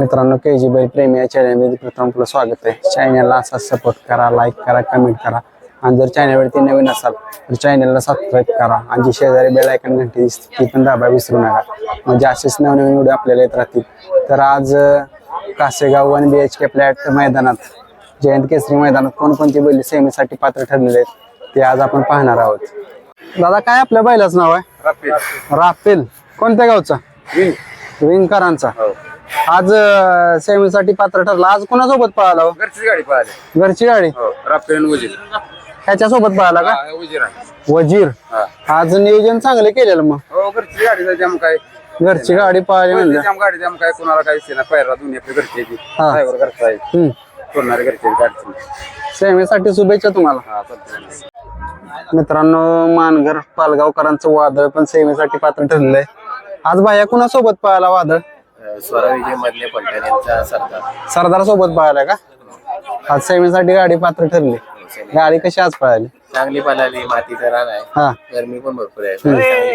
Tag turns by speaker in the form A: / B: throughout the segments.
A: मित्रांनो KG बैल प्रेमी या चॅनलमध्ये प्रथम आपलं स्वागत आहे। चॅनलला असा सपोर्ट करा, लाईक करा, कमेंट करा आणि जर चॅनलवरती नवीन असाल तर चॅनलला सबस्क्राईब करा आणि जी शेजारी बेल आयकॉन घंटी दिसते ती पण दाबायला विसरू नका, म्हणजे असेच नवनवीन व्हिडिओ आपल्याला येत राहतील। तर आज कासेगाव 1 BHK फ्लॅट मैदानात जयंत केसरी मैदानात कोणकोणती बैल सेमीसाठी पात्र ठरलेले आहेत ते आज आपण पाहणार आहोत। दादा काय आपल्या बैलाचं नाव आहे?
B: राफेल.
A: राफेल कोणत्या गावचा? विंगकरांचा। आज सेमीसाठी पात्र ठरला। आज कोणासोबत पळाला?
B: घरची गाडी पळाली।
A: घरची गाडी
B: राफेल वजीर
A: ह्याच्या सोबत पळाला का?
B: वजीर
A: वजीर। आज नियोजन चांगलं केलेलं मग?
B: हो, घरची गाडी जाम काय
A: घरची गाडी पळाली म्हणजे
B: जाम गाडी जाम काय कोणाला काय दिसेना, पैरा दोन्ही आपली घरची आहे ती, ड्रायव्हर घरचा आहे, कोणाला घरची गाडी।
A: सेमीसाठी शुभेच्छा तुम्हाला। मित्रांनो मानघर पालगावकरांचं वादळ पण सेमीसाठी पात्र ठरलेलं आहे। आज बाया कुणासोबत पळाला वादळ?
B: स्वरा विजय मधले पलटण यांचा सरदार
A: सरदार सोबत पळाला का? आज सेमीसाठी गाडी पात्र ठरली। गाडी कशी आज पळाली?
B: चांगली पळाली, मातीचा रान आहे,
A: हा
B: गरमी पण भरपूर आहे, चांगली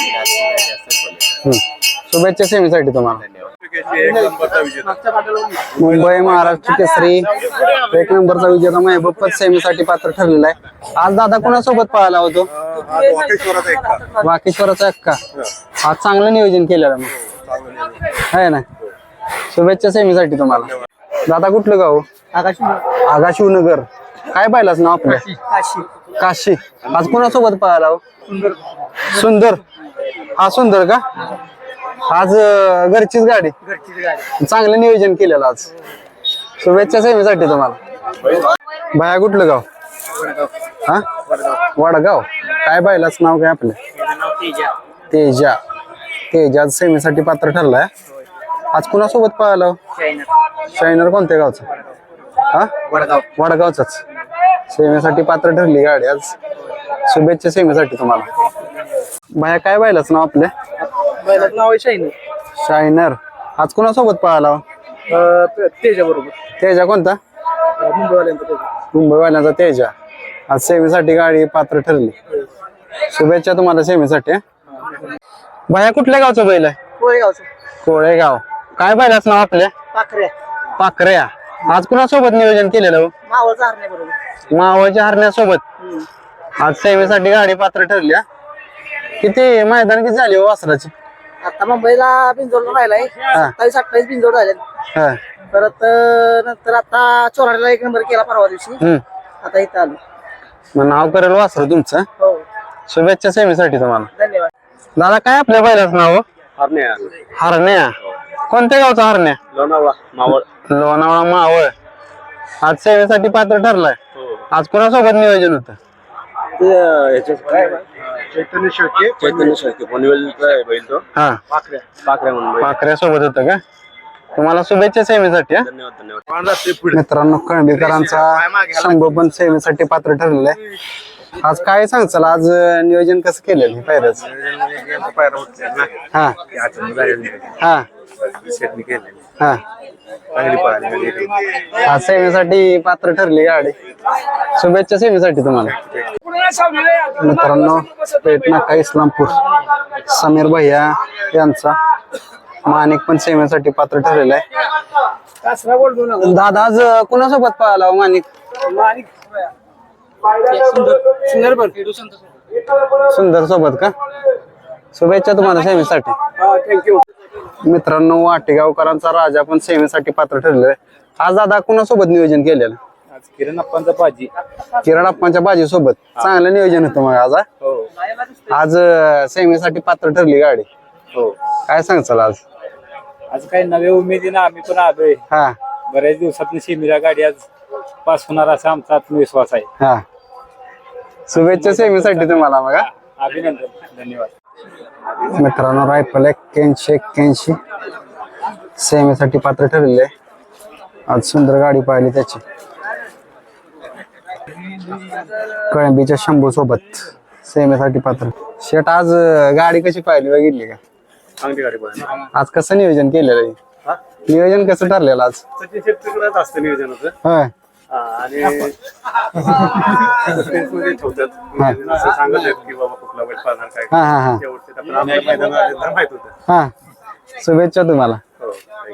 B: पळाली।
A: शुभेच्छा सेमीसाठी तुम्हाला।
B: धन्यवाद।
A: मुंबई महाराष्ट्र केसरी 1 नंबरचा विजेता महबूब पण सेमीसाठी पात्र ठरलेला आहे। आज दादा कोणासोबत पळाला होतो? वाकेश्वराचा एक्का। आज चांगलं नियोजन केलेलं मग आहे ना। शुभेच्छा सेमीसाठी तुम्हाला। दादा कुठलं गाव? आगाशिवनगर। काय पाहिलाच नाव आपलं? काशी। आज कोणासोबत पळाला हो? सुंदर। हा सुंदर का? आज घरचीच गाडी, चांगलं नियोजन केलेलं आज। शुभेच्छा सेमीसाठी तुम्हाला। बाया कुठलं गाव? हा वडगाव। काय पाहिलाच नाव काय आपलं? तेजा। तेजा सेमीसाठी पात्र ठरलाय। आज कुणासोबत पळाला? शायनर कोणत्या गावचा? हा वडगावचाच। सेमीसाठी पात्र ठरली गाडी आज। शुभेच्छा सेमीसाठी तुम्हाला। बाया काय पाहिलाच नाव आपल्या?
C: नाव आहे शायनर।
A: शायनर। आज कुणासोबत पळाला?
C: तेजा बरोबर।
A: तेजा कोणता? मुंबईवाल्यांचा तेजा। आज सेमीसाठी गाडी पात्र ठरली। शुभेच्छा तुम्हाला सेमीसाठी। बाया कुठल्या गावचं बैल आहे?
C: कोळेगावचं।
A: कोळेगाव। काय पाहिलाच नाव आपल्या?
C: पाखऱ्या।
A: पाखऱ्या। आज कुणासोबत नियोजन केलेलं?
C: मावळचा हरण्या बरोबर।
A: मावळच्या हरण्यासोबत आज सेमीसाठी गाडी पात्र ठरली। किती मैदान किती झाली हो वासराची?
C: आता मुंबईला बिंजोडला राहिलाय, 27-28 बिंजोड झाले।
A: हा
C: परत नंतर आता चोराडीला 1 नंबर केला परवा दिवशी। आता इथं आलो।
A: मग नाव करेल वासर तुमचं।
C: हो,
A: शुभेच्छा सेमीसाठी तुम्हाला।
C: धन्यवाद।
A: दादा काय आपल्या बैलाचं नाव? हरण्या। कोणत्या गावचा हरण्या?
B: लोणावळा मावळ।
A: लोणावळा मावळ। आज सेवेसाठी पात्र ठरलाय। आज कोणासोबत नियोजन होतं?
B: चैतन्य शेळके पनवेलचा आहे बैल तो।
A: हा
B: पाखऱ्या म्हणून।
A: पाखऱ्या सोबत होतं का? तुम्हाला शुभेच्छा सेवेसाठी।
B: धन्यवाद।
A: मित्रांनो कळंबीकरांचा शंभू पण सेवेसाठी पात्र ठरलेला आहे। आज काय सांगचाल, आज नियोजन कसं केलेलं पायऱ्याच? हा हा हा आज सेवेसाठी पात्र ठरली गाडी। शुभेच्छा सेवेसाठी तुम्हाला। मित्रांनो पेठ नाका इस्लामपूर समीर भैया यांचा माणिक पण सेवेसाठी पात्र ठरलेला आहे। दादा आज कोणासोबत पळाला माणिक? सुंदर सोबत का? शुभेच्छा तुम्हाला सेवेसाठी।
C: थँक्यू।
A: मित्रांनो वाटेगावकरांचा राजा पण सेवेसाठी पात्र ठरलेला आहे। आज दादा कुणासोबत नियोजन केलेलं?
B: आज किरण अप्पांचा बाजी।
A: किरण अप्पांच्या बाजी सोबत चांगलं नियोजन होतं मग आज। आज सेवेसाठी पात्र ठरली गाडी।
B: हो,
A: काय सांगचाल आज?
B: आज काही नव्या उमेदीनं आम्ही पण आलोय।
A: हा
B: बऱ्याच दिवसातून सेमीला गाडी आज पास होणार असा आमचा आत्मविश्वास आहे।
A: हा शुभेच्छा सेवेसाठी तुम्हाला मग।
B: अभिनंदन। धन्यवाद।
A: मित्रांनो रायफल 81 सेवेसाठी पात्र ठरलेले आहे। आज सुंदर गाडी पाहिली त्याची। कळंबीच्या शंभू सोबत सेवेसाठी पात्र। शेट आज गाडी कशी पाहिली बघितली का?
B: चांगली गाडी पळाली।
A: आज कसं नियोजन केलेलं आहे? नियोजन कसं ठरलेलं आज?
B: सचिन शेट्टीकडेच असतं नियोजन होतं
A: होय
B: आणि मध्ये ठेवतात, असं सांगत आहेत की बाबा कुठला बैल पाळणार काय।
A: हा हा हा
B: शेवटचे आपल्याला मैदानात माहित होतं।
A: हा शुभेच्छा तुम्हाला।